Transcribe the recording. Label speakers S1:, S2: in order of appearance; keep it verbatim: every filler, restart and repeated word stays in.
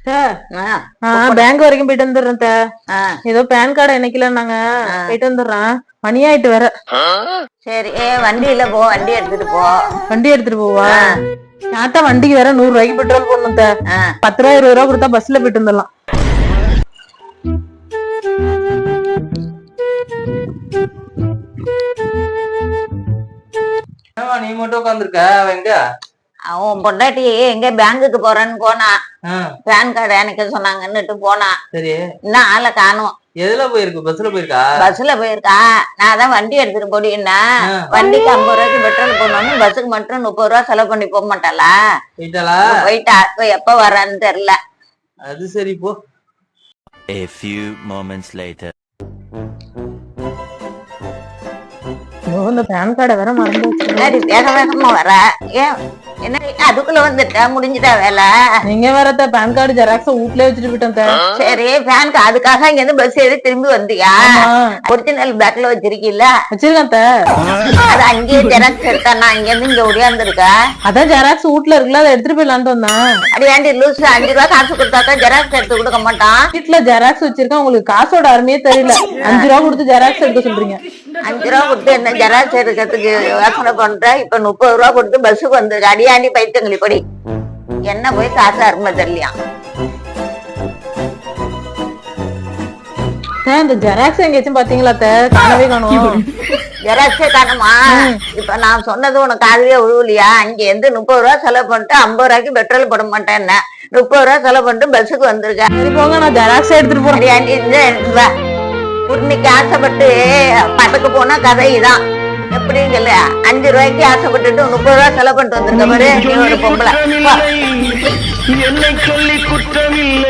S1: Bank வரைக்கும் போயிட்டு வந்துடுறேன். ஏதோ பேன் கார்டு என்னைக்கல நாங்க போயிட்டு வந்துடுறேன். மணி ஆயிட்டு வேற.
S2: சரி வண்டியில போ, வண்டி எடுத்துட்டு போ.
S1: வண்டி எடுத்துட்டு போவா? ஆட்டா வண்டிக்கு வேற நூறு ரூபாய்க்கு பெட்ரோல் போடணும். பத்து ரூபா இருபது ரூபா கொடுத்தா பஸ்ல போயிட்டு வந்துடலாம்.
S3: நீ மட்டும் உட்காந்துருக்க? எங்க
S2: அவன் பொண்டாட்டி எங்க பேங்குக்கு போறேன்னு போனா, பேன் கார்டு எனக்கு சொன்னாங்கன்னுட்டு போனா.
S3: சரி,
S2: இன்னும் ஆளை காணும்.
S3: எதுல போயிருக்கு? பஸ்ல போயிருக்கா?
S2: பஸ்ல போயிருக்கா. நான் தான் வண்டி எடுத்துட்டு போடின்னா, வண்டிக்கு ஐம்பது ரூபாய்க்கு பெட்ரோல் போடணும், பஸ்ஸுக்கு மட்டும் முப்பது ரூபா செலவு பண்ணி போக மாட்டாளா?
S3: போயிட்டாளா?
S2: போயிட்டா. எப்ப வர்றான்னு தெரியல.
S3: அது சரி, போ.
S4: A few moments later.
S1: இந்த பேன் கார்டை வேற மறந்து
S2: வேக வேகமா வர. ஏன் என்ன அதுக்குள்ள வந்துட்டா முடிஞ்சுட்டா வேலை?
S1: நீங்க வேற பேன் கார்டு ஜெராக்ஸ் வீட்லயே வச்சுட்டு போயிட்டேன்.
S2: சரி, பேன் அதுக்காக இங்க இருந்து பஸ் ஏறி திரும்பி வந்தியா? ஒரிஜினல் பேக்ல வச்சிருக்கீல்ல?
S1: வச்சிருக்கேன்.
S2: அது அங்கேயே ஜெராக்ஸ் எடுத்தா நான் இங்க இருந்து இங்க ஒடியாந்துருக்க.
S1: அதான் ஜெராக்ஸ் வீட்ல இருக்குல்ல, அதை எடுத்துட்டு போயிடலான்ட்டு வந்தேன்.
S2: அடியாண்டி லூஸ் அஞ்சு ரூபா காசு கொடுத்தாக்கா ஜெராக்ஸ் எடுத்து கொடுக்க மாட்டான்.
S1: வீட்டுல ஜெராக்ஸ் வச்சிருக்கேன். உங்களுக்கு காசோட அருமையே தெரியல. அஞ்சு ரூபா கொடுத்து ஜெராக்ஸ் எடுக்க சொல்றீங்க.
S2: அஞ்சு ரூபா கொடுத்து என்ன ஜெராக்ஸ் எடுக்கிறதுக்கு யோசனை பண்ற? இப்ப முப்பது ரூபா கொடுத்து பஸ்ஸுக்கு வந்துருக்கு. அடியாண்டி பைத்தங்களி படி. என்ன போய் காசு அருமை தெரியலையா?
S1: இந்த ஜெராக்ஸ் எங்கேயாச்சும் பாத்தீங்களா? காணவே காணும்.
S2: ஜெராக்ஸே காணுமா? இப்ப நான் சொன்னது உனக்கு காதுலயே விழுவலையா? அங்க இருந்து முப்பது ரூபா செலவு பண்ணிட்டு ஐம்பது ரூபாய்க்கு பெட்ரோல் போட மாட்டேன். என்ன முப்பது ரூபா செலவு பண்ணிட்டு பஸ்ஸுக்கு வந்திருக்கேன்.
S1: சரி போங்க, நான் ஜெராக்ஸ் எடுத்துட்டு போறேன்.
S2: அடியாண்டி எடுத்துட்டு வா. உன்னைக்கு ஆசைப்பட்டு பட்டுக்கு போனா கதை இதான். எப்படின்னு சொல்லு, அஞ்சு ரூபாய்க்கு ஆசைப்பட்டுட்டு முப்பது ரூபா செலவு பண்ணிட்டு வந்திருக்க பாரு. நீ ஒரு பொம்பளை.
S5: என்னை சொல்லி குற்றமில்லை.